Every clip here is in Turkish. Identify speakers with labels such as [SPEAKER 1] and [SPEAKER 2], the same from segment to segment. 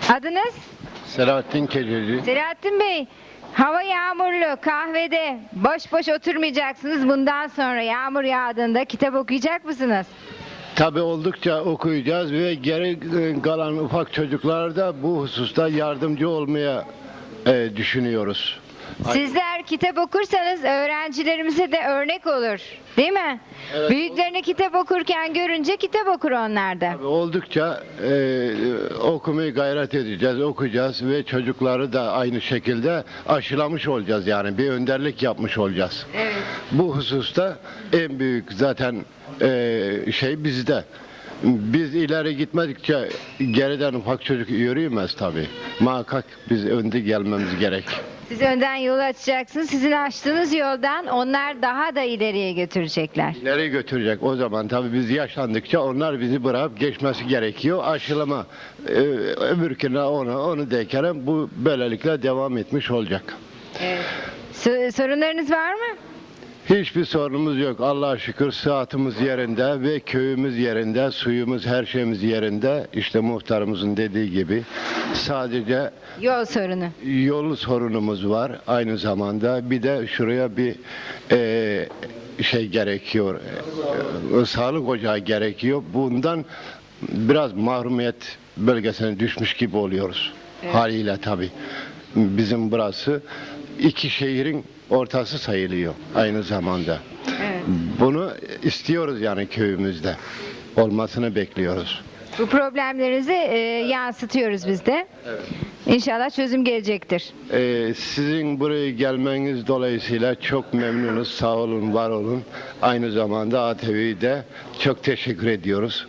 [SPEAKER 1] Adınız?
[SPEAKER 2] Selahattin Keçeci.
[SPEAKER 1] Selahattin Bey, hava yağmurlu, kahvede boş boş oturmayacaksınız. Bundan sonra yağmur yağdığında kitap okuyacak mısınız?
[SPEAKER 2] Tabi oldukça okuyacağız ve geri kalan ufak çocuklara da bu hususta yardımcı olmaya düşünüyoruz.
[SPEAKER 1] Sizler kitap okursanız öğrencilerimize de örnek olur, değil mi?
[SPEAKER 2] Evet.
[SPEAKER 1] Büyüklerini kitap okurken görünce kitap okur onlar da.
[SPEAKER 2] Tabii oldukça okumayı gayret edeceğiz, okuyacağız ve çocukları da aynı şekilde aşılamış olacağız, yani bir önderlik yapmış olacağız.
[SPEAKER 1] Evet.
[SPEAKER 2] Bu hususta en büyük zaten şey bizde. Biz ileri gitmedikçe geriden ufak çocuk yürüyemez tabii. Muhakkak biz önde gelmemiz gerek.
[SPEAKER 1] Siz önden yolu açacaksınız. Sizin açtığınız yoldan onlar daha da ileriye götürecekler.
[SPEAKER 2] İleri götürecek o zaman tabii biz yaşlandıkça onlar bizi bırakıp geçmesi gerekiyor. Aşılama öbürküne onu derken bu böylelikle devam etmiş olacak.
[SPEAKER 1] Evet. Sorunlarınız var mı?
[SPEAKER 2] Hiçbir sorunumuz yok. Allah'a şükür sıhhatimiz yerinde ve köyümüz yerinde, suyumuz, her şeyimiz yerinde. İşte muhtarımızın dediği gibi sadece
[SPEAKER 1] Yol sorunu.
[SPEAKER 2] yol sorunumuz var aynı zamanda. Bir de şuraya bir şey gerekiyor. Sağlık ocağı gerekiyor. Bundan biraz mahrumiyet bölgesine düşmüş gibi oluyoruz.
[SPEAKER 1] Evet.
[SPEAKER 2] Haliyle tabii. Bizim burası iki şehrin ortası sayılıyor aynı zamanda.
[SPEAKER 1] Evet.
[SPEAKER 2] Bunu istiyoruz yani köyümüzde. Olmasını bekliyoruz.
[SPEAKER 1] Bu problemlerinizi yansıtıyoruz biz de. İnşallah çözüm gelecektir.
[SPEAKER 2] Sizin buraya gelmeniz dolayısıyla çok memnunuz. Sağ olun, var olun. Aynı zamanda ATV'de çok teşekkür ediyoruz.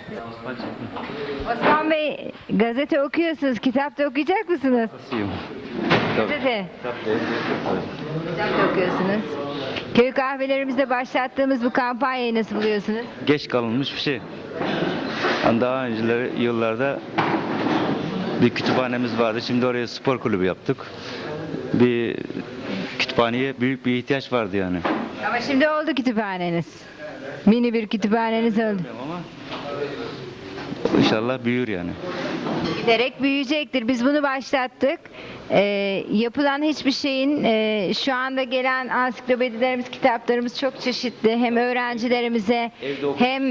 [SPEAKER 1] Osman Bey, gazete okuyorsunuz, kitap da okuyacak mısınız? Gazete. Kitap da okuyorsunuz. Köy kahvelerimizde başlattığımız bu kampanyayı nasıl buluyorsunuz?
[SPEAKER 3] Geç kalınmış bir şey. Yani daha önceleri yıllarda bir kütüphanemiz vardı. Şimdi oraya spor kulübü yaptık. Bir kütüphaneye büyük bir ihtiyaç vardı yani.
[SPEAKER 1] Ama şimdi oldu kütüphaneniz. Mini bir kütüphaneniz oldu.
[SPEAKER 3] Ama inşallah büyür yani.
[SPEAKER 1] Giderek büyüyecektir. Biz bunu başlattık. Yapılan hiçbir şeyin şu anda gelen ansiklopedilerimiz, kitaplarımız çok çeşitli. Hem öğrencilerimize
[SPEAKER 3] Evde oku-
[SPEAKER 1] hem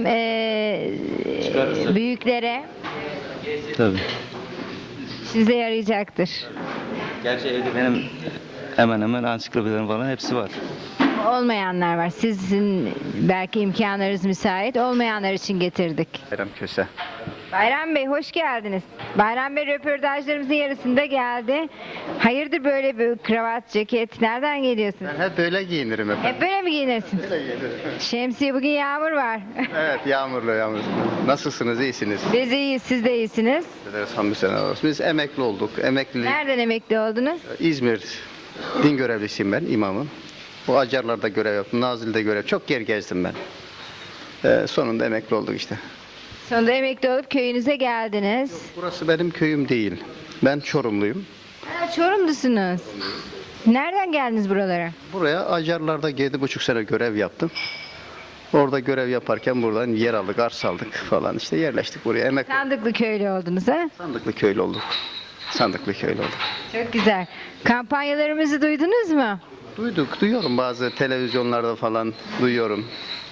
[SPEAKER 1] büyüklere
[SPEAKER 3] Tabii.
[SPEAKER 1] size yarayacaktır.
[SPEAKER 3] Gerçi evde benim hemen hemen ansiklopedilerim falan hepsi var.
[SPEAKER 1] Olmayanlar var. Sizin belki imkanlarınız müsait. Olmayanlar için getirdik.
[SPEAKER 4] Bayram Köse.
[SPEAKER 1] Bayram Bey hoş geldiniz. Bayram Bey röportajlarımızın yarısında geldi. Hayırdır böyle bir kravat, ceket? Nereden geliyorsunuz?
[SPEAKER 4] Ben hep böyle giyinirim efendim.
[SPEAKER 1] Hep böyle mi giyinirsiniz? Şemsiye, bugün yağmur var.
[SPEAKER 4] Evet, yağmurlu yağmurlu. Nasılsınız, iyisiniz?
[SPEAKER 1] Biz iyiyiz, siz de iyisiniz.
[SPEAKER 4] Hamdü seneler olsun. Biz emekli olduk. Emekli
[SPEAKER 1] Nereden emekli oldunuz?
[SPEAKER 4] İzmir din görevlisiyim ben, imamım. Bu Acarlar'da görev yaptım, Nazilli'de görev. Çok yer gezdim ben. Sonunda emekli olduk işte.
[SPEAKER 1] Sonunda emekli olup köyünüze geldiniz.
[SPEAKER 4] Burası benim köyüm değil. Ben Çorumluyum.
[SPEAKER 1] Ha, Çorumlusunuz. Nereden geldiniz buralara?
[SPEAKER 4] Buraya Acarlar'da 7,5 sene görev yaptım. Orada görev yaparken buradan yer aldık, arsa aldık falan işte yerleştik buraya. Emekli
[SPEAKER 1] Sandıklı köylü oldunuz ha?
[SPEAKER 4] Sandıklı köylü olduk. Sandıklı köylü olduk.
[SPEAKER 1] Çok güzel. Kampanyalarımızı duydunuz mu?
[SPEAKER 4] Duyuyorum bazı televizyonlarda falan duyuyorum.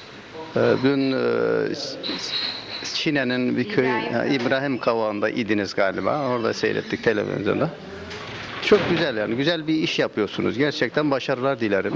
[SPEAKER 4] Dün Çine'nin bir köy, İbrahim Kavağı'nda idiniz galiba. Orada seyrettik televizyonda. Çok güzel yani. Güzel bir iş yapıyorsunuz. Gerçekten başarılar dilerim.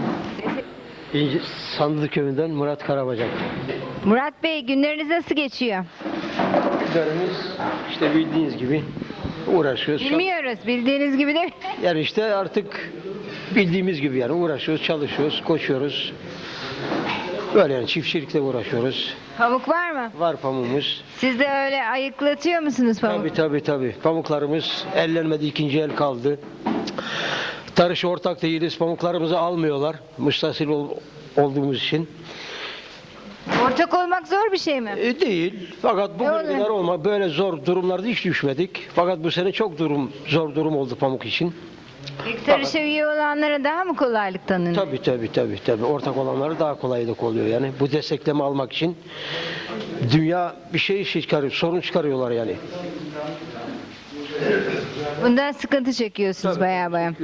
[SPEAKER 5] Sandık Köyü'nden Murat Karabacak.
[SPEAKER 1] Murat Bey, günleriniz nasıl geçiyor?
[SPEAKER 5] Günlerimiz işte bildiğiniz gibi uğraşıyoruz.
[SPEAKER 1] Bilmiyoruz. Bildiğiniz gibi de.
[SPEAKER 5] Yani işte artık bildiğimiz gibi yani uğraşıyoruz, çalışıyoruz, koşuyoruz. Böyle yani çiftçilikle uğraşıyoruz.
[SPEAKER 1] Pamuk var mı?
[SPEAKER 5] Var pamuğumuz.
[SPEAKER 1] Siz de öyle ayıklatıyor musunuz pamuk?
[SPEAKER 5] Tabii. Pamuklarımız ellenmedi, ikinci el kaldı. Tarışa ortak değiliz. Pamuklarımızı almıyorlar. Müstahsil olduğumuz için.
[SPEAKER 1] Ortak olmak zor bir şey mi?
[SPEAKER 5] Değil. Fakat bugüne
[SPEAKER 1] Öyle.
[SPEAKER 5] kadar olma böyle zor durumlarda hiç düşmedik. Fakat bu sene çok zor durum oldu pamuk için.
[SPEAKER 1] İlk tarışa üye olanlara daha mı kolaylık tanınır?
[SPEAKER 5] Tabii. Ortak olanları daha kolaylık oluyor yani. Bu destekleme almak için dünya bir şey çıkarıyor, sorun çıkarıyorlar yani.
[SPEAKER 1] Bundan sıkıntı çekiyorsunuz baya baya.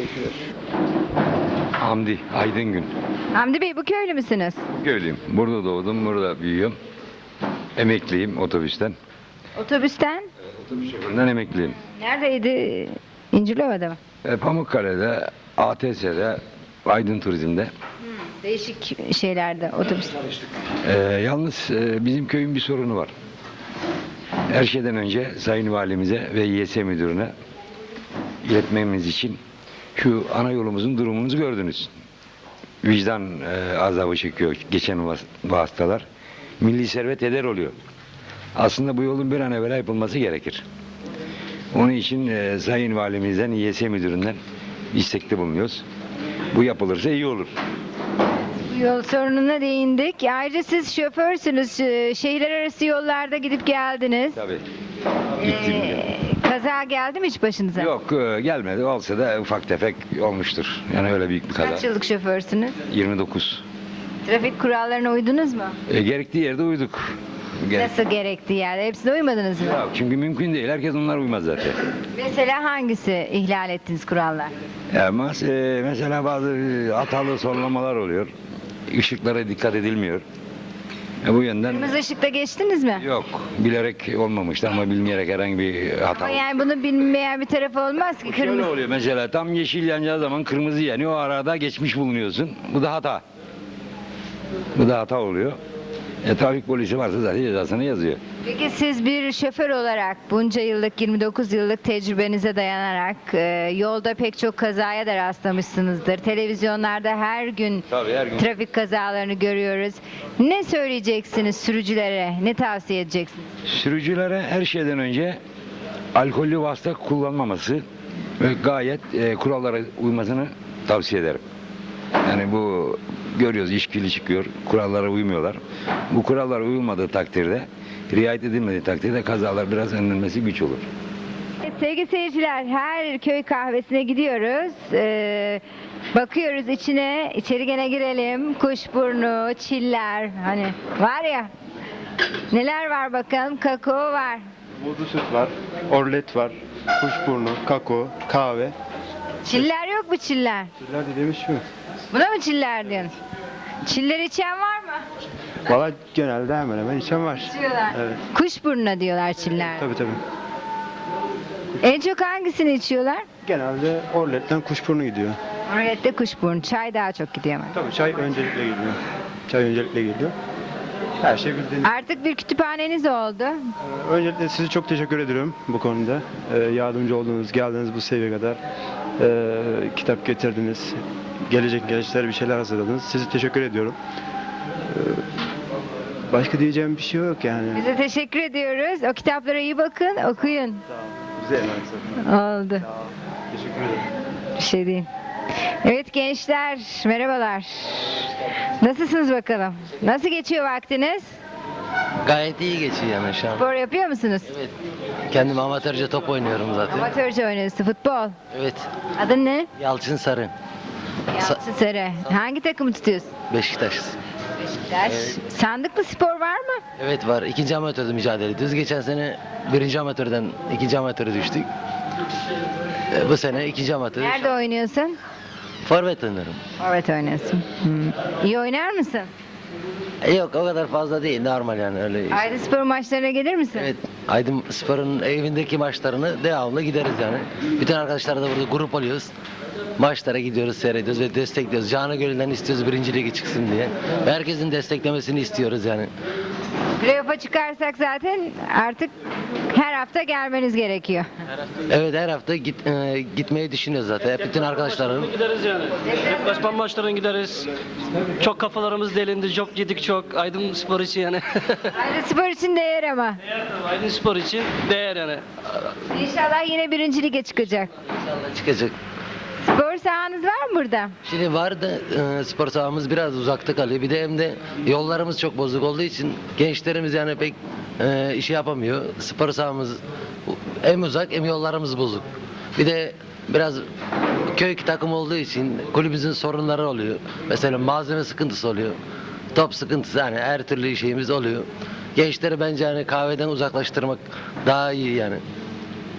[SPEAKER 6] Hamdi Aydın.
[SPEAKER 1] Hamdi Bey, bu köylü müsünüz?
[SPEAKER 6] Köylüyüm. Burada doğdum, burada büyüyorum. Emekliyim otobüsten.
[SPEAKER 1] Otobüsten?
[SPEAKER 6] Otobüs şoföründen emekliyim.
[SPEAKER 1] Neredeydi? İncirlova'da mı?
[SPEAKER 6] Pamukkale'de, ATS'de, Aydın Turizm'de.
[SPEAKER 1] Değişik şeylerde otobüs.
[SPEAKER 6] Yalnız bizim köyün bir sorunu var. Her şeyden önce Sayın Valimize ve YS Müdürü'ne iletmemiz için şu ana yolumuzun durumumuzu gördünüz. Vicdan azabı çekiyor geçen vasıtalar. Milli servet heder oluyor. Aslında bu yolun bir an evvel yapılması gerekir. Onun için Sayın Valimizden, YS Müdürü'nden istekte bulunuyoruz. Bu yapılırsa iyi olur.
[SPEAKER 1] Yol sorununa değindik. Ayrıca siz şoförsünüz. Şehirler arası yollarda gidip geldiniz.
[SPEAKER 6] Tabii. Gittim.
[SPEAKER 1] Kaza geldi mi hiç başınıza?
[SPEAKER 6] Yok gelmedi. Olsa da ufak tefek olmuştur. Yani öyle büyük bir kaza.
[SPEAKER 1] Kaç yıllık şoförsünüz?
[SPEAKER 6] 29.
[SPEAKER 1] Trafik kurallarına uydunuz mu?
[SPEAKER 6] Gerektiği yerde uyduk.
[SPEAKER 1] Nasıl gerektiği yerde? Hepsine uymadınız mı?
[SPEAKER 6] Yok, çünkü mümkün değil. Herkes onlar uymaz zaten.
[SPEAKER 1] Mesela hangisi ihlal ettiniz kurallar?
[SPEAKER 6] Mesela bazı hatalı sorulamalar oluyor. Işıklara dikkat edilmiyor. Bu yönden
[SPEAKER 1] Kırmızı ışıkta geçtiniz mi?
[SPEAKER 6] yok. Bilerek olmamıştı ama bilmeyerek herhangi bir hata
[SPEAKER 1] Ama
[SPEAKER 6] oldu.
[SPEAKER 1] yani bunu bilmeyen bir tarafı olmaz ki.
[SPEAKER 6] Şöyle
[SPEAKER 1] Kırmızı.
[SPEAKER 6] oluyor mesela tam yeşil yanacağı zaman kırmızı yanıyor. O arada geçmiş bulunuyorsun. Bu da hata. Bu da hata oluyor. Trafik polisi varsa zaten cezasını yazıyor.
[SPEAKER 1] Peki siz bir şoför olarak bunca yıllık 29 yıllık tecrübenize dayanarak yolda pek çok kazaya da rastlamışsınızdır. Televizyonlarda her gün
[SPEAKER 6] Tabii, her gün.
[SPEAKER 1] trafik kazalarını görüyoruz. Ne söyleyeceksiniz sürücülere? Ne tavsiye edeceksiniz?
[SPEAKER 6] Sürücülere her şeyden önce alkollü vasıta kullanmaması ve gayet kurallara uymasını tavsiye ederim. Yani bu görüyoruz içkili çıkıyor, kurallara uymuyorlar. Bu kurallara uyulmadığı takdirde, riayet edilmediği takdirde kazalar biraz önlenmesi güç olur.
[SPEAKER 1] Sevgili seyirciler, her köy kahvesine gidiyoruz. Bakıyoruz içeri gene girelim. Kuşburnu, çiller, hani var ya. Neler var bakalım? Kakao var.
[SPEAKER 7] Muzlu süt var, orlet var, kuşburnu, kakao, kahve.
[SPEAKER 1] Çiller yok mu çiller?
[SPEAKER 7] Çiller dediğimiz şu.
[SPEAKER 1] Buna mı çiller diyorsun? Çiller içen var mı?
[SPEAKER 7] Valla genelde hemen hemen içen var.
[SPEAKER 1] İçiyorlar.
[SPEAKER 7] Evet.
[SPEAKER 1] Kuşburnuna diyorlar çiller.
[SPEAKER 7] Tabii tabii.
[SPEAKER 1] En çok hangisini içiyorlar?
[SPEAKER 7] Genelde orletten kuşburnu gidiyor.
[SPEAKER 1] Orette kuşburnu. Çay daha çok gidiyor ama.
[SPEAKER 7] Tabii çay öncelikle geliyor. Çay öncelikle geliyor. Her şey bildiğiniz.
[SPEAKER 1] Artık bir kütüphaneniz oldu.
[SPEAKER 7] Öncelikle size çok teşekkür ediyorum bu konuda. Yardımcı olduğunuz, geldiniz bu seviyeye kadar. Kitap getirdiniz. Gelecek gençlere bir şeyler hazırladınız. Size teşekkür ediyorum. Başka diyeceğim bir şey yok yani.
[SPEAKER 1] Bize teşekkür ediyoruz. O kitaplara iyi bakın, okuyun.
[SPEAKER 7] Bize emanet.
[SPEAKER 1] Oldu.
[SPEAKER 7] Teşekkür ederim.
[SPEAKER 1] Bir şey değil. Evet gençler, merhabalar. Nasılsınız bakalım? Nasıl geçiyor vaktiniz?
[SPEAKER 8] Gayet iyi geçiyor yani şu an.
[SPEAKER 1] Spor yapıyor musunuz?
[SPEAKER 8] Evet. Kendim amatörce top oynuyorum zaten.
[SPEAKER 1] Amatörce oynuyorsunuz, futbol.
[SPEAKER 8] Evet.
[SPEAKER 1] Adın ne?
[SPEAKER 8] Yalçın Sarı.
[SPEAKER 1] Yalçın Sarı. Hangi takımı tutuyorsun?
[SPEAKER 8] Beşiktaş.
[SPEAKER 1] Beşiktaş. Sandıklı spor var mı?
[SPEAKER 8] Evet var. İkinci amatörde mücadele ediyoruz. Geçen sene birinci amatörden ikinci amatöre düştük. Bu sene ikinci amatör.
[SPEAKER 1] Nerede oynuyorsun?
[SPEAKER 8] Forvet oynuyorum.
[SPEAKER 1] Forvet oynuyorsun. İyi oynar mısın?
[SPEAKER 8] Yok o kadar fazla değil. Normal yani öyle.
[SPEAKER 1] Aydın Spor maçlarına gelir misin?
[SPEAKER 8] Evet. Aydın Spor'un evindeki maçlarını devamlı gideriz yani. Bütün arkadaşlar da burada grup oluyoruz. Maçlara gidiyoruz, seyrediyoruz ve destekliyoruz. Canı gönülden istiyoruz birinci ligi çıksın diye. Ve herkesin desteklemesini istiyoruz yani.
[SPEAKER 1] Playoff'a çıkarsak zaten artık her hafta gelmeniz gerekiyor.
[SPEAKER 8] Evet her hafta gitmeyi düşünüyoruz zaten. Hep bütün arkadaşlarım.
[SPEAKER 9] Gideriz yani. Deplasman maçlarına gideriz. Çok kafalarımız delindi. Çok yedik çok. Aydın Spor için yani.
[SPEAKER 1] Aydın Spor için değer ama.
[SPEAKER 9] Aydın Spor için değer yani.
[SPEAKER 1] İnşallah yine birinci lige çıkacak.
[SPEAKER 8] İnşallah çıkacak.
[SPEAKER 1] Spor sahanız var mı burada?
[SPEAKER 8] Şimdi var da spor sahamız biraz uzakta kalıyor. Bir de hem de yollarımız çok bozuk olduğu için gençlerimiz yani pek işi yapamıyor. Spor sahamız hem uzak hem yollarımız bozuk. Bir de biraz köy takım olduğu için kulübümüzün sorunları oluyor. Mesela malzeme sıkıntısı oluyor. Top sıkıntısı yani her türlü şeyimiz oluyor. Gençleri bence yani kahveden uzaklaştırmak daha iyi yani.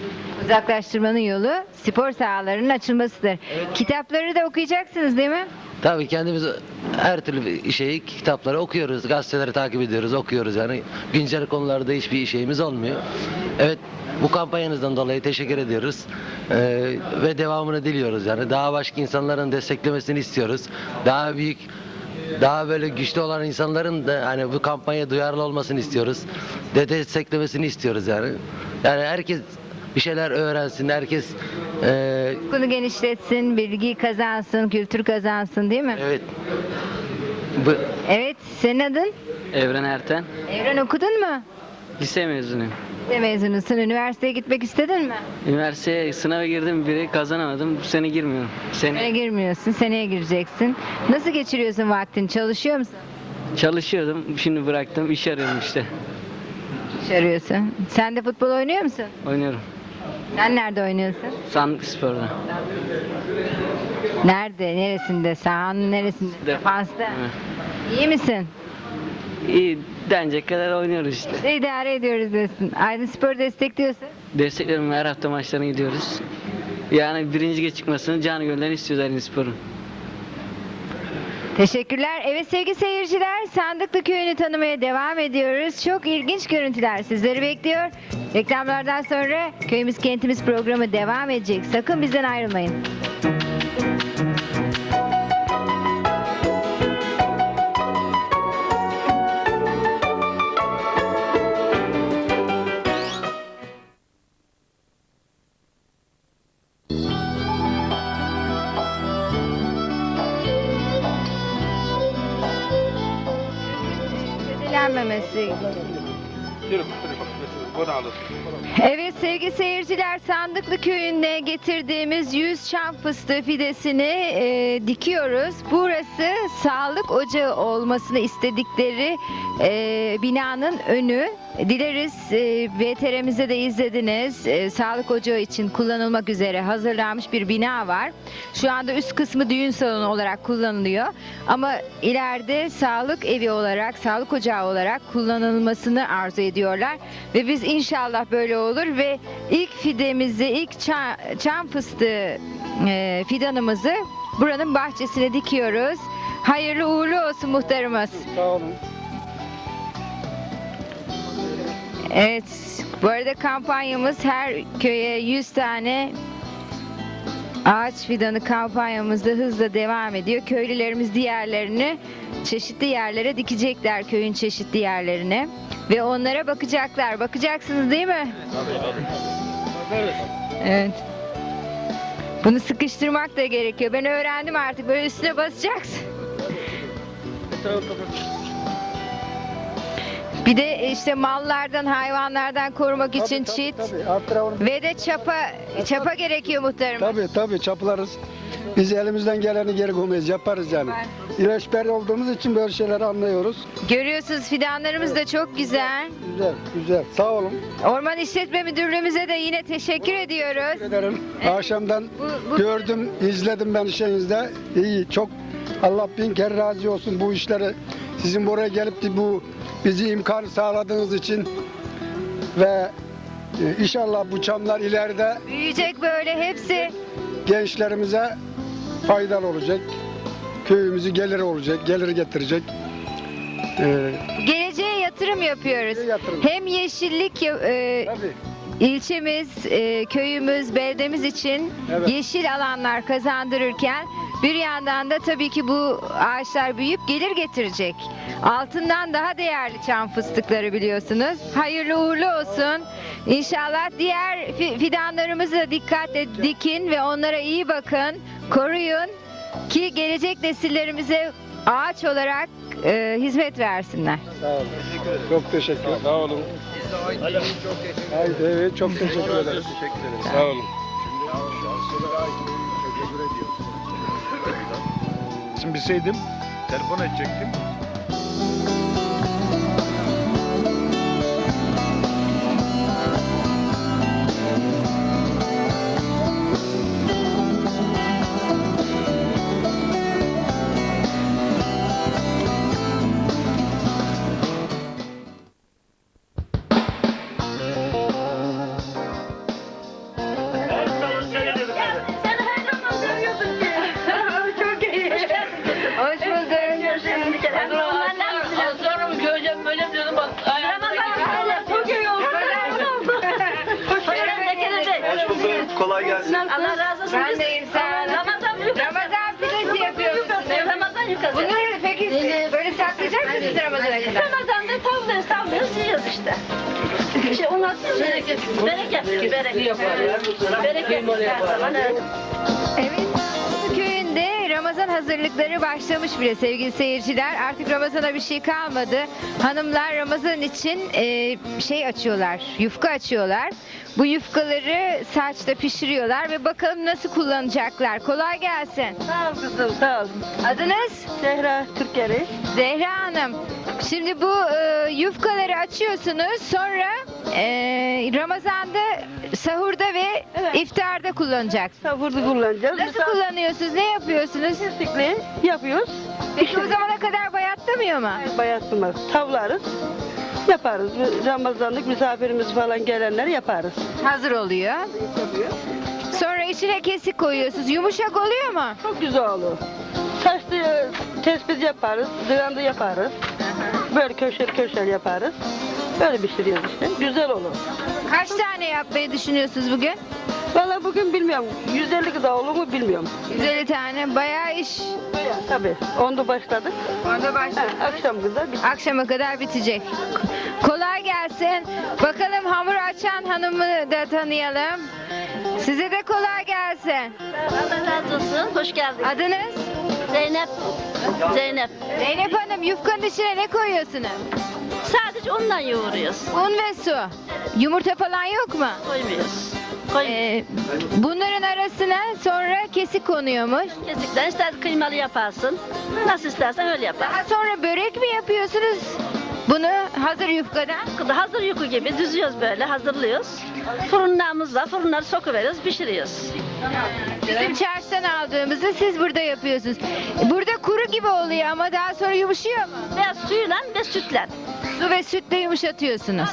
[SPEAKER 1] Uzaklaştırmanın yolu spor sahalarının açılmasıdır. Kitapları da okuyacaksınız değil mi?
[SPEAKER 8] Tabii kendimiz her türlü şeyi, kitapları okuyoruz, gazeteleri takip ediyoruz, okuyoruz yani. Güncel konularda hiçbir şeyimiz olmuyor. Evet, bu kampanyanızdan dolayı teşekkür ediyoruz. Ve devamını diliyoruz yani. Daha başka insanların desteklemesini istiyoruz. Daha büyük, daha böyle güçlü olan insanların da hani bu kampanya duyarlı olmasını istiyoruz. Desteklemesini istiyoruz yani. Yani herkes bir şeyler öğrensin, herkes
[SPEAKER 1] Bunu genişletsin, bilgi kazansın, kültür kazansın değil mi?
[SPEAKER 8] evet. Bu,
[SPEAKER 1] Evet, senin adın?
[SPEAKER 9] Evren Erten.
[SPEAKER 1] Evren okudun mu?
[SPEAKER 9] Lise mezunuyum.
[SPEAKER 1] Lise mezunusun, üniversiteye gitmek istedin mi?
[SPEAKER 9] Üniversiteye sınava girdim, biri kazanamadım. Bu sene girmiyorum.
[SPEAKER 1] Seneye girmiyorsun, seneye gireceksin. Nasıl geçiriyorsun vaktini, çalışıyor musun?
[SPEAKER 9] Çalışıyordum, şimdi bıraktım. İş arıyorum işte.
[SPEAKER 1] İş arıyorsun. Sen de futbol oynuyor musun?
[SPEAKER 9] Oynuyorum.
[SPEAKER 1] Sen nerede oynuyorsun?
[SPEAKER 9] Sandık Spor'da.
[SPEAKER 1] Nerede, neresinde, sahanın neresinde? Defansta.
[SPEAKER 9] Evet.
[SPEAKER 1] İyi misin?
[SPEAKER 9] İyi denecek kadar oynuyoruz işte.
[SPEAKER 1] İşte idare ediyoruz diyorsun. Aydın Spor'u destekliyorsun.
[SPEAKER 9] Desteklerim, her hafta maçlarına gidiyoruz. Yani birinci lige çıkmasını canı gönülden istiyoruz Aydın Spor'un.
[SPEAKER 1] Teşekkürler. Evet sevgili seyirciler, Sandıklı Köyü'nü tanımaya devam ediyoruz. Çok ilginç görüntüler sizleri bekliyor. Reklamlardan sonra Köyümüz Kentimiz programı devam edecek. Sakın bizden ayrılmayın. Ödelenmemesi. Evet sevgili seyirciler, Sandıklı Köyü'nde getirdiğimiz 100 çam fıstığı fidesini dikiyoruz. Burası sağlık ocağı olmasını istedikleri binanın önü. Dileriz VTR'mizde de izlediniz. Sağlık ocağı için kullanılmak üzere hazırlanmış bir bina var. Şu anda üst kısmı düğün salonu olarak kullanılıyor. Ama ileride sağlık evi olarak, sağlık ocağı olarak kullanılmasını arzu ediyorlar. Ve biz inşallah böyle olur ve ilk fidemizi, ilk çam fıstığı fidanımızı buranın bahçesine dikiyoruz. Hayırlı uğurlu olsun muhtarımız.
[SPEAKER 5] Sağ olun.
[SPEAKER 1] Evet, bu arada kampanyamız her köye 100 tane ağaç fidanı kampanyamız da hızla devam ediyor. Köylülerimiz diğerlerini çeşitli yerlere dikecekler, köyün çeşitli yerlerine ve onlara bakacaklar. Bakacaksınız değil mi? Evet. Bunu sıkıştırmak da gerekiyor. Ben öğrendim artık. Böyle üstüne basacaksın. Bir de işte mallardan, hayvanlardan korumak için çit ve de çapa gerekiyor muhtarım.
[SPEAKER 10] Tabii çaplarız. Biz elimizden geleni geri koymayız, yaparız yani. İlaçper olduğumuz için böyle şeyleri anlıyoruz.
[SPEAKER 1] Görüyorsunuz fidanlarımız da çok güzel.
[SPEAKER 10] Güzel. Sağ olun.
[SPEAKER 1] Orman İşletme Müdürlüğümüze de yine teşekkür ediyoruz.
[SPEAKER 10] Teşekkür ederim.
[SPEAKER 1] Evet.
[SPEAKER 10] Akşamdan
[SPEAKER 1] Bu-
[SPEAKER 10] gördüm, izledim ben işinizde. İyi, çok Allah bin kere razı olsun bu işleri. Sizin buraya gelip de bu bizi imkan sağladığınız için ve inşallah bu çamlar ileride
[SPEAKER 1] Büyüyecek böyle hepsi.
[SPEAKER 10] gençlerimize faydalı olacak. Köyümüzü gelir olacak, gelir getirecek.
[SPEAKER 1] Geleceğe yatırım yapıyoruz.
[SPEAKER 10] Yatırım.
[SPEAKER 1] Hem yeşillik
[SPEAKER 10] Tabii.
[SPEAKER 1] ilçemiz, köyümüz, beldemiz için
[SPEAKER 10] Evet.
[SPEAKER 1] yeşil alanlar kazandırırken bir yandan da tabii ki bu ağaçlar büyüyüp gelir getirecek. Altından daha değerli çam fıstıkları biliyorsunuz. Hayırlı uğurlu olsun. İnşallah diğer fidanlarımızı da dikkatle dikin ve onlara iyi bakın, koruyun ki gelecek nesillerimize ağaç olarak hizmet versinler.
[SPEAKER 10] Sağ olun. Çok teşekkür ederim. Sağ olun. Haydi, evet, çok teşekkür ederiz. Sağ olun.
[SPEAKER 11] Şimdi bilseydim telefon edecektim.
[SPEAKER 7] Kolay gelsin.
[SPEAKER 12] Allah razı olsun.
[SPEAKER 1] Ben de insan. Ramazan pidesi yapıyorsunuz.
[SPEAKER 12] Ramazan yukası.
[SPEAKER 1] Bunları peki böyle saklayacak mısınız Ramazan'a kadar?
[SPEAKER 12] Ramazan'da tavlıyoruz, yiyoruz işte. Onu atıyoruz. Bereket.
[SPEAKER 1] Evet. Köyünde Ramazan hazırlıkları başlamış bile sevgili seyirciler. Artık Ramazan'a bir şey kalmadı. Hanımlar Ramazan için şey açıyorlar, yufka açıyorlar. Bu yufkaları saçta pişiriyorlar ve bakalım nasıl kullanacaklar. Kolay gelsin.
[SPEAKER 12] Sağ ol kızım, sağ ol.
[SPEAKER 1] Adınız?
[SPEAKER 12] Zehra Türkeri.
[SPEAKER 1] Zehra Hanım. Şimdi bu yufkaları açıyorsunuz. Sonra Ramazan'da sahurda ve iftarda kullanacaksınız.
[SPEAKER 12] Sahurda kullanacağız.
[SPEAKER 1] Nasıl kullanıyorsunuz? Ne yapıyorsunuz?
[SPEAKER 12] Kesikli yapıyoruz.
[SPEAKER 1] Peki o zamana kadar bayatlamıyor mu?
[SPEAKER 12] Bayatlamaz. Tavlarız. Yaparız. Ramazanlık misafirimiz falan gelenleri yaparız.
[SPEAKER 1] Hazır oluyor. Sonra içine kesik koyuyorsunuz. Yumuşak oluyor mu?
[SPEAKER 12] Çok güzel olur. Saçlı tespit yaparız, dığanda yaparız. Böyle köşel yaparız. Böyle pişiriyoruz işte. Güzel olur.
[SPEAKER 1] Kaç tane yapmayı düşünüyorsunuz bugün?
[SPEAKER 12] Vallahi bugün bilmiyorum. 150 kadar olur mu bilmiyorum.
[SPEAKER 1] 150 tane. Bayağı iş.
[SPEAKER 12] Tabii. Onda başladık.
[SPEAKER 1] Onda başladık.
[SPEAKER 12] Akşam kadar bitecek.
[SPEAKER 1] Akşama kadar bitecek. Kolay gelsin. Bakalım hamur açan hanımı da tanıyalım. Size de kolay gelsin.
[SPEAKER 12] Allah razı olsun. Hoş geldin.
[SPEAKER 1] Adınız?
[SPEAKER 12] Zeynep. Zeynep.
[SPEAKER 1] Zeynep Hanım, yufkanın içine ne koyuyorsunuz?
[SPEAKER 12] Sadece ondan yoğuruyoruz.
[SPEAKER 1] Un ve su. Yumurta falan yok mu?
[SPEAKER 12] Koymuyoruz.
[SPEAKER 1] Bunların arasına sonra kesik konuyormuş.
[SPEAKER 12] Kesikten istersen kıymalı yaparsın. Nasıl istersen öyle yaparsın.
[SPEAKER 1] Daha sonra börek mi yapıyorsunuz? Bunu hazır yufkadan.
[SPEAKER 12] Hazır yuku gibi düzüyoruz böyle, hazırlıyoruz. Fırınlarımız var, fırınları sokuveriyoruz, pişiriyoruz.
[SPEAKER 1] Bizim çarşıdan aldığımızı siz burada yapıyorsunuz. Burada kuru gibi oluyor ama daha sonra yumuşuyor mu?
[SPEAKER 12] Biraz suyla ve sütle.
[SPEAKER 1] Su ve sütle yumuşatıyorsunuz.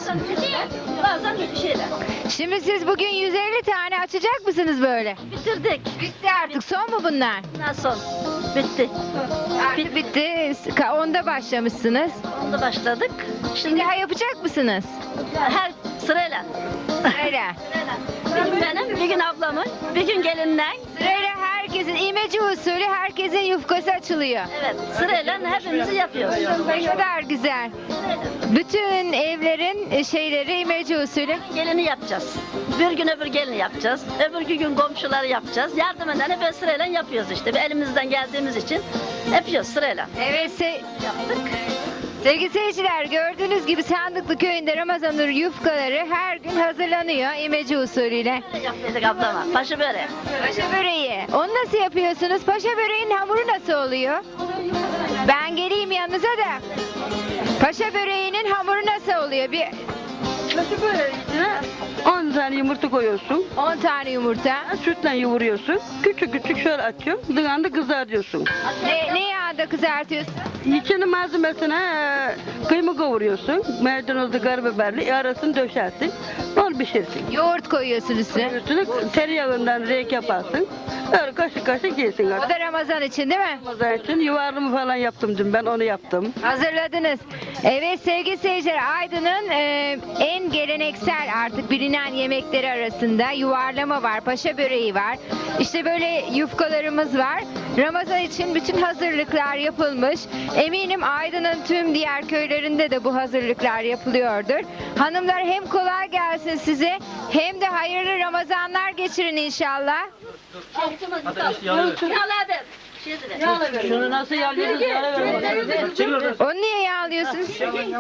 [SPEAKER 12] Bazen bir şeyler.
[SPEAKER 1] Şimdi siz bugün 150 tane açacak mısınız böyle?
[SPEAKER 12] Bitirdik.
[SPEAKER 1] Bitti artık. Son mu bunlar?
[SPEAKER 12] Nasıl? Bitti.
[SPEAKER 1] Artık bitti. Onda başlamışsınız.
[SPEAKER 12] Onda başladık.
[SPEAKER 1] Şimdi daha yapacak mısınız?
[SPEAKER 12] Her sırayla.
[SPEAKER 1] Sırayla.
[SPEAKER 12] Bir gün benim, bir gün ablamın, bir gün gelinden.
[SPEAKER 1] Sırayla herkesin imece usulü herkesin yufkası açılıyor.
[SPEAKER 12] Evet, sırayla hepimizi yapıyoruz.
[SPEAKER 1] Ne kadar güzel. Bütün evlerin şeyleri imece usulü.
[SPEAKER 12] Gelini yapacağız. Bir gün öbür gelini yapacağız. Öbür gün komşuları yapacağız. Yardım edene böyle sırayla yapıyoruz işte. Elimizden geldiğimiz için yapıyoruz sırayla.
[SPEAKER 1] Evet,
[SPEAKER 12] Yaptık.
[SPEAKER 1] sevgili seyirciler, gördüğünüz gibi Sandıklı köyünde Ramazan yufkaları her gün hazırlanıyor imece usulüyle.
[SPEAKER 12] Böyle yapıyorduk ablama. Paşa böreği.
[SPEAKER 1] Paşa böreği. Onu nasıl yapıyorsunuz? Paşa böreğinin hamuru nasıl oluyor? Ben geleyim yanınıza da. Paşa böreğinin hamuru nasıl oluyor? Bir
[SPEAKER 12] Paşa böreğine 10 tane yumurta koyuyorsun.
[SPEAKER 1] 10 tane yumurta.
[SPEAKER 12] Sütle yoğuruyorsun. Küçük küçük şöyle açıyorsun. Dığanda kızartıyorsun.
[SPEAKER 1] Ne yağda kızartıyorsun?
[SPEAKER 12] İçini malzemesine kıyma kavuruyorsun. Maydanozlu karabiberli arasını döşersin. Onu pişirsin.
[SPEAKER 1] Yoğurt koyuyorsun üstüne.
[SPEAKER 12] Üstüne tereyağından renk yaparsın. Öyle kaşık kaşık yersin.
[SPEAKER 1] O da Ramazan için değil mi?
[SPEAKER 12] Ramazan için yuvarlama falan yaptım dün, ben onu yaptım.
[SPEAKER 1] Hazırladınız. Evet sevgili seyirciler, Aydın'ın en geleneksel artık bilinen yemekleri arasında yuvarlama var, paşa böreği var. İşte böyle yufkalarımız var. Ramazan için bütün hazırlıklar yapılmış. Eminim Aydın'ın tüm diğer köylerinde de bu hazırlıklar yapılıyordur. Hanımlar, hem kolay gelsin size hem de hayırlı Ramazanlar geçirin inşallah.
[SPEAKER 12] Şunu nasıl yağlıyorsunuz?
[SPEAKER 1] Onu niye yağlıyorsunuz?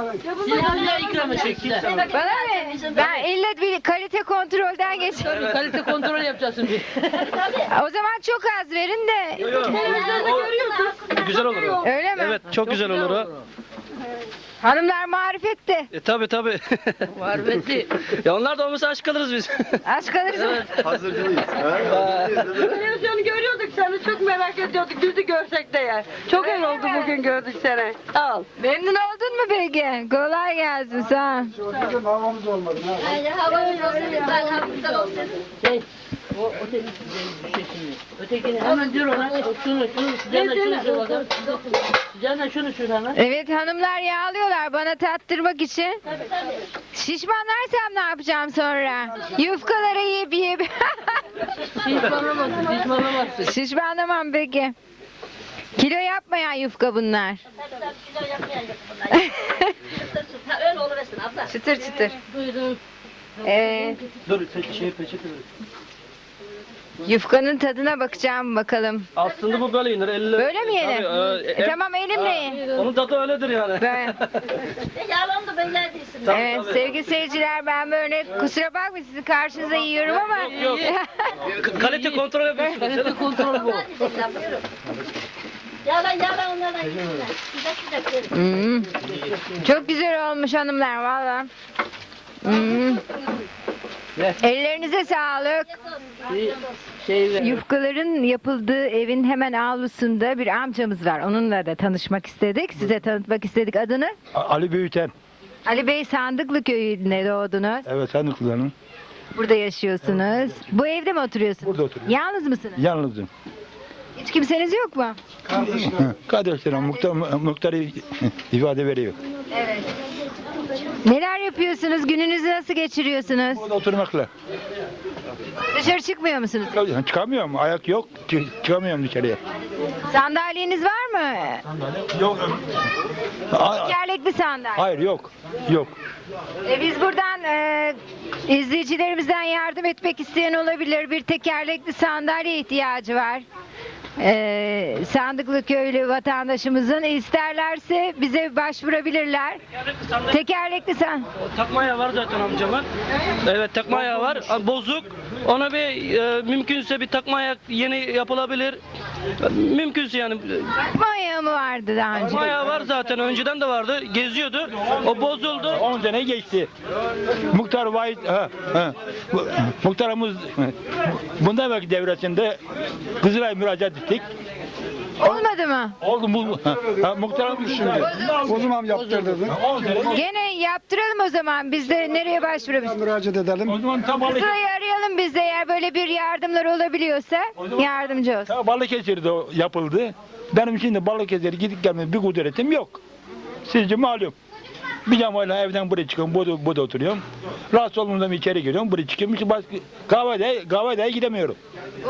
[SPEAKER 1] Bana mı? Ben illa bir kalite kontrolden geçiyorum.
[SPEAKER 9] Kalite kontrol yapacağız şimdi.
[SPEAKER 1] O zaman çok az verin de.
[SPEAKER 9] Güzel olur o.
[SPEAKER 1] Öyle mi?
[SPEAKER 9] Evet, çok güzel olur o.
[SPEAKER 1] Hanımlar marifetti.
[SPEAKER 9] Tabii tabii.
[SPEAKER 8] Marifetli.
[SPEAKER 9] Ya onlar da olmasa aç kalırız biz.
[SPEAKER 1] Aç kalırız.
[SPEAKER 7] Hazırcılıyız.
[SPEAKER 12] Televizyonu görüyorduk seni, çok merak ediyorduk yüzü görsek de ya. Çok iyi oldu bugün gördük seni. Sağ ol.
[SPEAKER 1] Memnun oldun mu peki? Kolay gelsin, sağ ol.
[SPEAKER 10] Havamız olmadı.
[SPEAKER 12] Havamız olsun, güzel havamız olsun. Ötekini hemen diyor ona şunu şunu hemen.
[SPEAKER 1] Evet hanımlar yağlıyorlar bana tattırmak için. Şişmanlarsam ne yapacağım sonra? Yufkaları yiyip.
[SPEAKER 12] Şişmanlamazsın.
[SPEAKER 1] Şişmanlamam peki. Kilo yapmayan yufka bunlar.
[SPEAKER 12] Öyle oluversin abla.
[SPEAKER 1] Çıtır çıtır.
[SPEAKER 12] Duydum.
[SPEAKER 9] Dur peçete ver.
[SPEAKER 1] Yufkanın tadına bakacağım bakalım.
[SPEAKER 9] Aslında bu böyle yenir. Elle,
[SPEAKER 1] Böyle mi yenir?
[SPEAKER 9] Tabii,
[SPEAKER 1] Tamam elimle ye.
[SPEAKER 9] onun tadı öyledir yani.
[SPEAKER 1] Böyle.
[SPEAKER 12] Yalan da ben değilsin.
[SPEAKER 1] Evet sevgili seyirciler ben böyle kusura bakmayın sizi karşınıza yiyorum ama.
[SPEAKER 9] Yok. Kalite kontrol yapıyorsun. Kalite kontrol bu.
[SPEAKER 12] Yalan onlardan yiyin.
[SPEAKER 1] Çok güzel olmuş hanımlar valla. Ellerinize sağlık. Yufkaların yapıldığı evin hemen avlusunda bir amcamız var. Onunla da tanışmak istedik. Size tanıtmak istedik. Adınız?
[SPEAKER 11] Ali Büyüten.
[SPEAKER 1] Ali Bey Sandıklı köyünde doğdunuz.
[SPEAKER 11] Evet, sen de kullanın.
[SPEAKER 1] Burada yaşıyorsunuz. Bu evde mi oturuyorsunuz?
[SPEAKER 11] Burada oturuyorum.
[SPEAKER 1] Yalnız mısınız?
[SPEAKER 11] Yalnızım.
[SPEAKER 1] Hiç kimseniz yok mu?
[SPEAKER 11] Kardeşlerim muhtarı ifade veriyor.
[SPEAKER 1] Evet. Neler yapıyorsunuz? Gününüzü nasıl geçiriyorsunuz?
[SPEAKER 11] Burada oturmakla.
[SPEAKER 1] Dışarı çıkmıyor musunuz?
[SPEAKER 11] Çıkamıyorum, ayak yok. Çıkamıyorum dışarıya.
[SPEAKER 1] Sandalyeniz var mı?
[SPEAKER 11] Yok.
[SPEAKER 1] Tekerlekli sandalye.
[SPEAKER 11] Hayır, yok. Yok.
[SPEAKER 1] Biz buradan izleyicilerimizden yardım etmek isteyen olabilir. Bir tekerlekli sandalye ihtiyacı var. Sandıklı köylü vatandaşımızın isterlerse bize başvurabilirler. Tekerlekli sandalye.
[SPEAKER 9] Takma ayağı var zaten amcamın. Evet takma ayağı var. Bozuk. Ona bir mümkünse bir takma ayak yeni yapılabilir. Mümkünse yani.
[SPEAKER 1] Takma ayağı mı vardı daha önce?
[SPEAKER 9] Takma ayağı var zaten. Önceden de vardı. Geziyordu. O bozuldu.
[SPEAKER 11] 10 sene geçti. Muhtar Vahit, muhtarımız bundan evvelki devresinde Kızılay müracaat ettik.
[SPEAKER 1] Olmadı mı?
[SPEAKER 11] Oldu bu. Muhtarımız şimdi.
[SPEAKER 10] O zaman yaptırdın.
[SPEAKER 11] 10 sene.
[SPEAKER 1] Gene yaptıralım o zaman. Biz de nereye başvurabiliriz?
[SPEAKER 10] Müracaat edelim.
[SPEAKER 11] O zaman
[SPEAKER 1] Sırayı arayalım biz de eğer böyle bir yardımlar olabiliyorsa yardımcı olsun.
[SPEAKER 11] Balıkesir'de yapıldı. Benim şimdi Balıkesir'e gidip gelme bir kudretim yok. Sizce malum. Bir camayla evden buraya çıkıyorum, burada oturuyorum. Rahatsız olduğumda içeri giriyorum, buraya çıkıyorum. Başka kahveye gidemiyorum.